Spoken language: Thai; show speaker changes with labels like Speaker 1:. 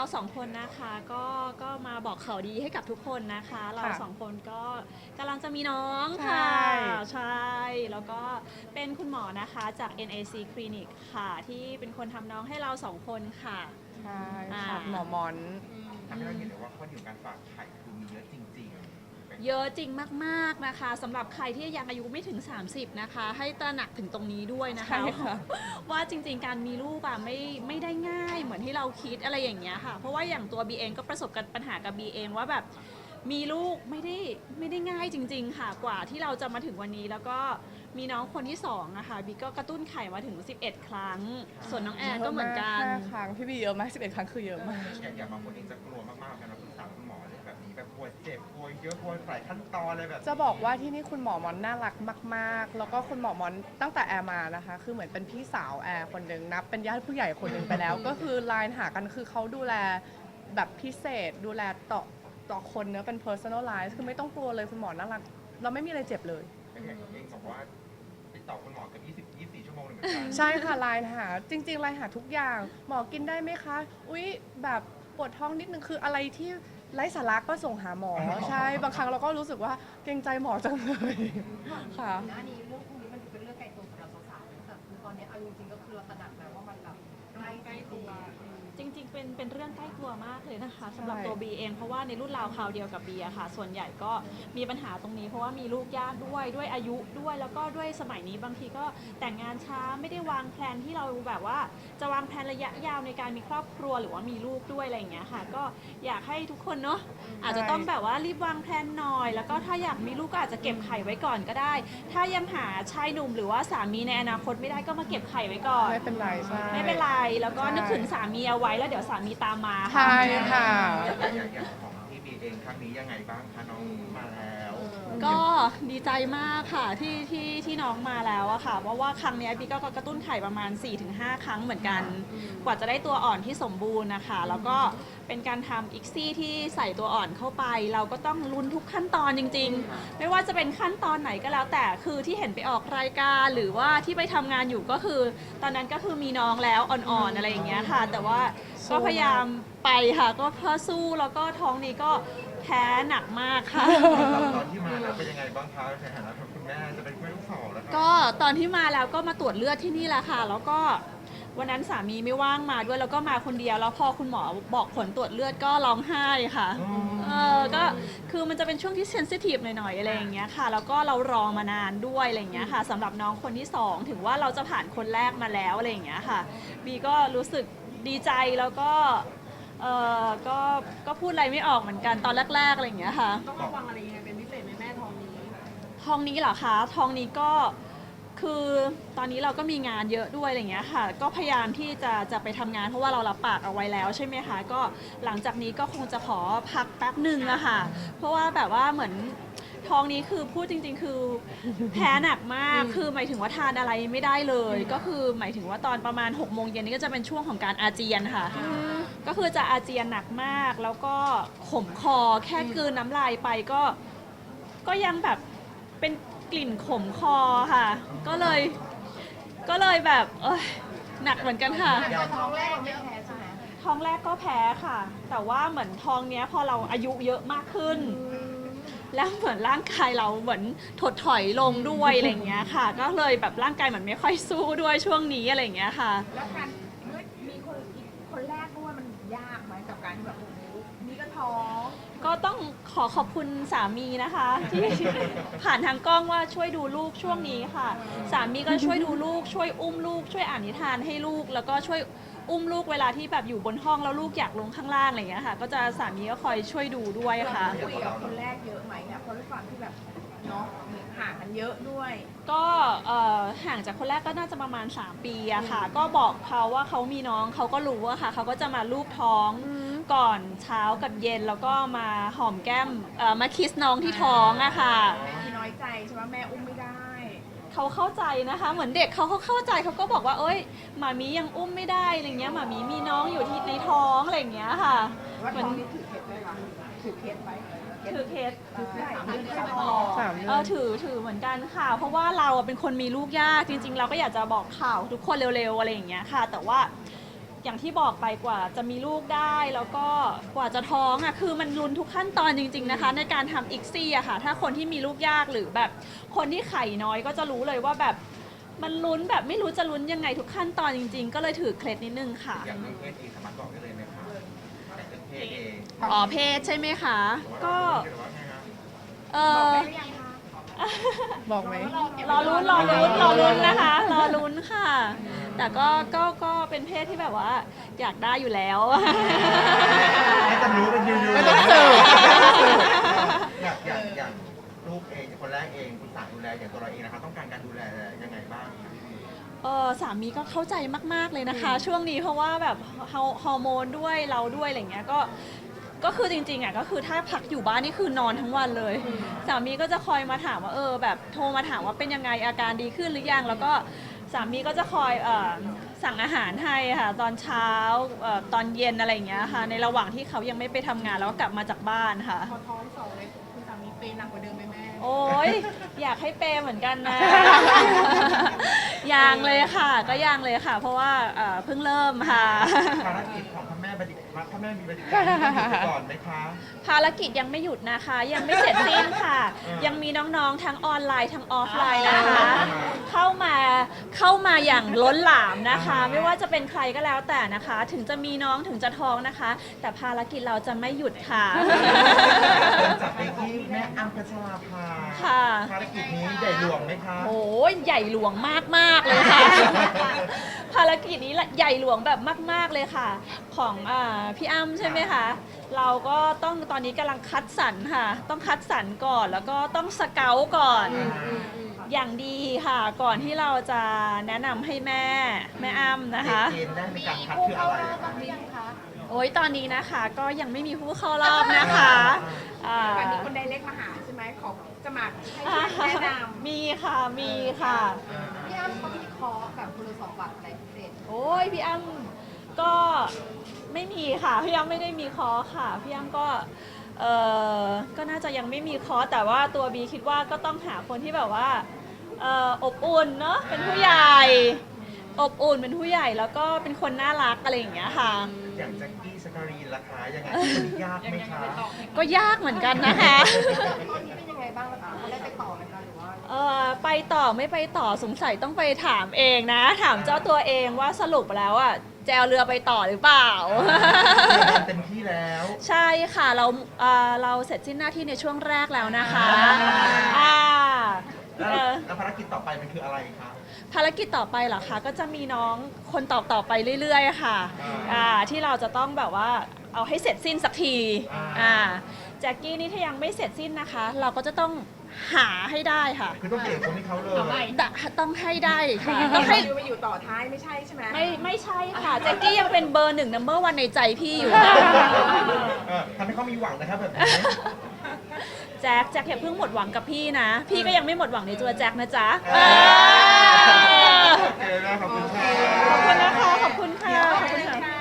Speaker 1: สองคนนะคะก็มาบอกข่าวดีให้กับทุกคนนะคะเราสองคนก็กำลังจะมีน้องค่ะใช่แล้วก็เป็นคุณหมอนะคะจาก NAC Clinic ค่ะที่เป็นคนทำน้องให้เราสองคนค่ะ
Speaker 2: ใช่ค่ะหมอมอน
Speaker 3: ทำให้เราเห็นเลยว่าข้อดีของการฝากไข่คือมีเยอะจริง
Speaker 1: เยอะจริงมากๆนะคะสำหรับใครที่ยังอายุไม่ถึง 30นะคะให้ตระหนักถึงตรงนี้ด้วยนะคะว่าจริงๆการมีลูกอะไม่ได้ง่ายเหมือนที่เราคิดอะไรอย่างเงี้ยค่ะเพราะว่าอย่างตัวบีเองก็ประสบปัญหากับบีเองว่าแบบมีลูกไม่ได้ง่ายจริงๆค่ะกว่าที่เราจะมาถึงวันนี้แล้วก็มีน้องคนที่2นะคะบีก็กระตุ้นไข่มาถึง11 ครั้งส่วนน้องแอนก็เหมือนกัน
Speaker 2: 5 ครั้งพี่บีเยอะมาก11 ครั้งคือเยอะมาก
Speaker 3: อย่างบางคนเองจะกลัวมากๆกันนะปรึกษาคุณหมอเรื่องแบบนี้แบบกลัวเจ็บกลัวเยอะกลัวหลายขั้นตอนอะไรแบบ
Speaker 2: จะบอกว่าที่นี่คุณหมอมอนน่ารักมากๆแล้วก็คุณหมอมอนตั้งแต่แอร์มานะคะคือเหมือนเป็นพี่สาวแอร์คนหนึ่งนับเป็นญาติผู้ใหญ่คนหนึ่งไปแล้วก็คือไลน์หากันคือเขาดูแลแบบพิเศษดูแลต่อคนเนื้อเป็น personalize คือไม่ต้องกลัวเลยคุณหมอน่ารักเราไม่มีอะไรเจ็บเลย
Speaker 3: อย่างเองบอกว่าติดต่อคุณหมอกับ24 ชั่วโมงเลยเหมือนกัน
Speaker 2: ใช่ค่ะไลน์หาจริงๆไลน์หาทุกอย่างหมอกินได้ไหมคะอุ๊ยแบบปวดท้องนิดนึงคืออะไรที่ไร้สาระก็ส่งหาหมอใช่บางครั้งเราก็รู้สึกว่าเกรงใจหมอจังเลยค่ะ
Speaker 4: หน้านี้เรื่องพวกนี้มันเป็นเรื่องไกลตัวสำหรับสาวๆแต่คือตอนนี้เอาจริงๆก็คือเราตระหนักแล้วว่ามันแบบใกล้ตัว
Speaker 1: จริงๆเป็นเรื่องใกล้ตัวมากเลยนะคะสำหรับตัวบีเองเพราะว่าในรุ่นราวคราวเดียวกับบีอะค่ะส่วนใหญ่ก็มีปัญหาตรงนี้เพราะว่ามีลูกยากด้วยอายุด้วยแล้วก็ด้วยสมัยนี้บางทีก็แต่งงานช้าไม่ได้วางแผนที่เราแบบว่าจะวางแผนระยะยาวในการมีครอบครัวหรือว่ามีลูกด้วยอะไรอย่างเงี้ยค่ะก็อยากให้ทุกคนเนาะอาจจะต้องแบบว่ารีบวางแผนหน่อยแล้วก็ถ้าอยากมีลูกก็อาจจะเก็บไข่ไว้ก่อนก็ได้ถ้ายังหาชายหนุ่มหรือว่าสามีในอนาคตไม่ได้ก็มาเก็บไข่ไว้ก่อน
Speaker 2: ไม่เป็นไรใช่
Speaker 1: ไม่เป็นไรแล้วก็นึกถึงสามีเอาไว้แล้วเดี๋ยวสามีตามมา
Speaker 2: ใช่ค่ะ
Speaker 3: อย่างของที่บีเองครั้งนี้ยังไงบ้างคะน้องมาแล้ว
Speaker 1: ก็ดีใจมากค่ะที่น้องมาแล้วอะค่ะเพราะว่าครั้งนี้บีก็กระตุ้นไข่ประมาณ 4-5 ครั้งเหมือนกันกว่าจะได้ตัวอ่อนที่สมบูรณ์นะคะแล้วก็เป็นการทำอีกซี่ที่ใส่ตัวอ่อนเข้าไปเราก็ต้องลุ้นทุกขั้นตอนจริงๆไม่ว่าจะเป็นขั้นตอนไหนก็แล้วแต่คือที่เห็นไปออกรายการหรือว่าที่ไปทำงานอยู่ก็คือตอนนั้นก็คือมีน้องแล้วอ่อนๆอะไรอย่างเงี้ยค่ะแต่ว่าก็พยายามไปค่ะก็เพื่อสู้แล้วก็ท้องนี้ก็แพ้หนักมากค่ะ
Speaker 3: ตอนที่มาแล้วเป็นยังไงบ้างคะในฐานะคุณแม่จะเป็นแม่ลูกสาวแล้ว
Speaker 1: ก็ตอนที่มาแล้วก็มาตรวจเลือดที่นี่แหละค่ะแล้วก็วันนั้นสามีไม่ว่างมาด้วยแล้วก็มาคนเดียวแล้วพอคุณหมอบอกผลตรวจเลือดก็ร้องไห้ค่ะก็คือมันจะเป็นช่วงที่เซนซิทีฟหน่อยๆอะไรอย่างเงี้ยค่ะแล้วก็เรารอมานานด้วยอะไรอย่างเงี้ยค่ะสำหรับน้องคนที่2ถึงว่าเราจะผ่านคนแรกมาแล้วอะไรอย่างเงี้ยค่ะบีก็รู้สึกดีใจแล้วก็ก็พูดอะไรไม่ออกเหมือนกันตอนแรกๆอะไรอย่างเงี้ยค่ะ
Speaker 4: ต้องระวังอะไรยังไงเป็นพิเศษไหมแม่ท้องนี้
Speaker 1: ท้องนี้เหรอคะท้องนี้ก็คือตอนนี้เราก็มีงานเยอะด้วยอะไรอย่างเงี้ยค่ะก็พยายามที่จะไปทำงานเพราะว่าเรารับปากเอาไว้แล้วใช่ไหมคะก็หลังจากนี้ก็คงจะขอพักแป๊บหนึ่งอะค่ะเพราะว่าแบบว่าเหมือนท้องนี้คือพูดจริงๆคือแพ้หนักมากคือหมายถึงว่าทานอะไรไม่ได้เลยก็คือหมายถึงว่าตอนประมาณ6 โมงเย็นนี่ก็จะเป็นช่วงของการอาเจียนค่ะก็คือจะอาเจียนหนักมากแล้วก็ขมคอแค่กลืนน้ำลายไปก็ยังแบบเป็นกลิ่นขมคอค่ะก็เลยแบบหนักเหมือนกันค่ะ
Speaker 4: ท้องแรกเราไม่แพ้ใช่ไหม
Speaker 1: ท้องแรกก็แพ้ค่ะแต่ว่าเหมือนท้องเนี้ยพอเราอายุเยอะมากขึ้นแล้วเหมือนร่างกายเราเหมือนถดถอยลงด้วยอะไรอย่างเงี้ยค่ะก็เลยแบบร่างกายเหมือนไม่ค่อยสู้ด้วยช่วงนี้อะไรอย่างเงี้ยค่ะ
Speaker 4: แล้วการมีคนอีกคนแรกด้วยมันยากไหมกับการที่แบบโอ้โหนี่ก็ท้อง
Speaker 1: ก็ต้องขอบคุณสามีนะคะที่ผ่านทางกล้องว่าช่วยดูลูกช่วงนี้ค่ะสามีก็ช่วยดูลูกช่วยอุ้มลูกช่วยอ่านนิทานให้ลูกแล้วก็ช่วยอุ้มลูกเวลาที่แบบอยู่บนห้องแล้วลูกอยากลงข้างล่างอะไรอย่างเงี้ยค่ะก็จะสามีก็คอยช่วยดูด้วยค่ะ
Speaker 4: คุยกับคนแรกเยอะไหมเนี่ยเพราะด้วยความที่แบบเนาะห่างกันเยอะด้วย
Speaker 1: ก็ห่างจากคนแรกก็น่าจะประมาณ3 ปีอะค่ะก็บอกเขาว่าเขามีน้องเขาก็รู้อะค่ะเขาก็จะมาลูบท้องก่อนเช้ากับเย็นแล้วก็มาหอมแก้มมาคิสน้องที่ท้องอะค่ะ
Speaker 4: มีน้อยใจใช่ไหมแม่อุ้มไม่ได้
Speaker 1: เขาเข้าใจนะคะเหมือนเด็กเขาเข้าใจเขาก็บอกว่าเอ้ยหมามียังอุ้มไม่ได้อะไรเงี้ยหมามีมีน้องอยู่ที่ในท้องอะไรอย่างเงี้ยค่ะ
Speaker 4: เหมือนถือเคสไหมคะถือเคสไหม
Speaker 1: ถือเคสถือเหมือนกันค่ะเพราะว่าเราเป็นคนมีลูกยากจริงๆเราก็อยากจะบอกข่าวทุกคนเร็วๆอะไรอย่างเงี้ยค่ะแต่ว่าอย่างที่บอกไปกว่าจะมีลูกได้แล้วก็กว่าจะท้องอ่ะคือมันลุ้นทุกขั้นตอนจริงๆนะคะ ในการทำอิกซี่อะค่ะถ้าคนที่มีลูกยากหรือแบบคนที่ไข่น้อยก็จะรู้เลยว่าแบบมันลุ้นแบบไม่รู้จะลุ้นยังไงทุกขั้นตอนจริงๆ ก็เลยถือเคล็ดนิดนึงค่ะ
Speaker 3: อย่างเรื่องเพศเองสามารถบอกได้เลยไหมคะแต่เรื่องเพศเอง
Speaker 1: อ๋อเพศใช่ไหมคะก็
Speaker 3: หรือว่าไงคะ
Speaker 1: เอ
Speaker 4: บอก
Speaker 1: อ
Speaker 4: ได้หรือยังคะ
Speaker 2: บอกไหม
Speaker 1: รอลุ้นนะคะรอลุ้นค่ะ แต่ก็เป็นเพศที่แบบว่าอยากได้อยู่แล้ว
Speaker 3: ให้จะรู้กันอยู่
Speaker 2: ไม่ต้องสืบ
Speaker 3: อย่างลูกเองคนแรกเองคุณสาดูแลอย่างตัวเราเองนะคะต้องการการดูแลยังไงบ้างคะพี่บี
Speaker 1: สามีก็เข้าใจมากๆเลยนะคะ ช่วงนี้เพราะว่าแบบฮอร์โมนด้วยเราด้วยอะไรเงี้ยก็คือจริงๆอ่ะก็คือถ้าพักอยู่บ้านนี่คือนอนทั้งวันเลย สามีก็จะคอยมาถามว่าแบบโทรมาถามว่าเป็นยังไงอาการดีขึ้นหรือยังแล้วก็สามีก็จะคอยสั่งอาหารให้ค่ะตอนเช้าตอนเย็นอะไรอย่างเงี้ยค่ะในระหว่างที่เขายังไม่ไปทำงานแล้วก็กลับมาจากบ้านค่ะ
Speaker 4: พอท้องสองเลยคุณสามีเปย์หนักกว่าเดิมไหมแม่
Speaker 1: โอ้ยอยากให้เปย์เหมือนกันนะ ยังเลยค่ะ ก็ยังเลยค่ะ เพราะว่าเพิ่งเริ่มค่ะ
Speaker 3: ภารกิจของพ่อแม่บัณฑิตพ่อแม่มีบัณฑิตการที่ต้องหยุดก่อนไหมคะ
Speaker 1: ภารกิจยังไม่หยุดนะคะ ยังไม่เสร็จสิ้นค่ะ ยังมีน้องๆทั้งออนไลน์ทั้งออฟไลน์นะคะ เข้ามาอย่างล้นหลามนะคะ ไม่ว่าจะเป็นใครก็แล้วแต่นะคะ ถึงจะมีน้องถึงจะท้องนะคะ แต่ภารกิจเราจะไม่หยุดค่ะ
Speaker 3: เริ่มจากไปที่แม่อัมพัชราภา
Speaker 1: ค่ะ
Speaker 3: ภารกิจนี้ใหญ่หลวงไหมคะ
Speaker 1: โอ้ยใหญ่หลวงมากๆเลยค่ะ ภารกิจนี้ใหญ่หลวงแบบมาก ๆเลยค่ะ ของพี่อ้ำใช่ไหมคะเราก็ต้องตอนนี้กำลังคัดสรรค่ะ ต้องคัดสรรก่อนแล้วก็ต้องสเกลก่อน อย่างดีค่ะ ก่อนที่เราจะแนะนำให้แม่อ้ำนะคะ
Speaker 3: เกณฑ์แรกในการคัด
Speaker 4: ผู้
Speaker 3: คือ
Speaker 4: เข้า
Speaker 3: อะไร
Speaker 4: รอบ
Speaker 3: คะ
Speaker 4: บ้างหรือยังคะ
Speaker 1: โอ้ยตอนนี้นะคะก็ยังไม่มีผู้เข้ารอบนะคะอ่า
Speaker 4: วันนี้คนไดเล็กมาหาใช่ไหมขอจะมาให้ช่วยแนะนำ
Speaker 1: มีค่ะ
Speaker 4: พี่อ้ำเขามีคอร์สแบบคุณสมบัติอะไรพิเศษ
Speaker 1: โอ้ยพี่อ้ำก็ไม่มีค่ะพี่อ้ำไม่ได้มีคอร์สค่ะพี่อ้ำก็ก็น่าจะยังไม่มีคอร์สแต่ว่าตัวบีคิดว่าก็ต้องหาคนที่แบบว่าอบอุ่นเนาะเป็นผู้ใหญ่อบอุ่นเป็นผู้ใหญ่แล้วก็เป็นคนน่ารักอะไรอย่างเงี้ยค่ะ
Speaker 3: อย่างแจ็คกี้สการีนราคายังไงมันยากไหมคะ
Speaker 1: ก็ยากเหมือนกันนะคะ
Speaker 4: ตอนนี้เป็นยังไงบ้างล่ะคะเขาได้ไปต่อไหมคะหรือว่า
Speaker 1: ไปต่อไม่ไปต่อสงสัยต้องไปถามเองนะ ถามเจ้าตัวเองว่าสรุปแล้วอ่ะแจวเรือไปต่อหรือเปล่า
Speaker 3: เต็มที่แล้ว
Speaker 1: ใช่ค่ะเราเสร็จสิ้นหน้าที่ในช่วงแรกแล้วนะคะอ่า
Speaker 3: แล้วภารกิจต่อไปมันคืออะไรคะ
Speaker 1: ภารกิจต่อไปเหรอคะก็จะมีน้องคนต่อไปเรื่อยๆค่ะที่เราจะต้องแบบว่าเอาให้เสร็จสิ้นสักทีแจ็คกี้นี่ถ้ายังไม่เสร็จสิ้นนะคะ เราก็จะต้องหาให้ได้ค่ะ
Speaker 3: คือต้องเปลี่ยนคนที่เขาเลย
Speaker 1: ต้องให้ได้ค่ะต้องให้
Speaker 4: ไปอยู่ต่อท้ายไม่ใช่ใช่ไหม
Speaker 1: ไม่ใช่ค่ะแจ็คกี้ยังเป็นเบอร์ 1 number 1ในใจพี่อยู่นะ
Speaker 3: ทำให้เขามีหวังนะครับแบบนี้
Speaker 1: แจ็คอย่าเพิ่งหมดหวังกับพี่นะ พี่ก็ยังไม่หมดหวังในตัวแจ็คนะจ๊ะ
Speaker 3: โอเคนะขอบคุณค่ะ
Speaker 1: ขอบคุณนะคะ ขอบคุณค่ะ
Speaker 4: ขอบคุณค่ะ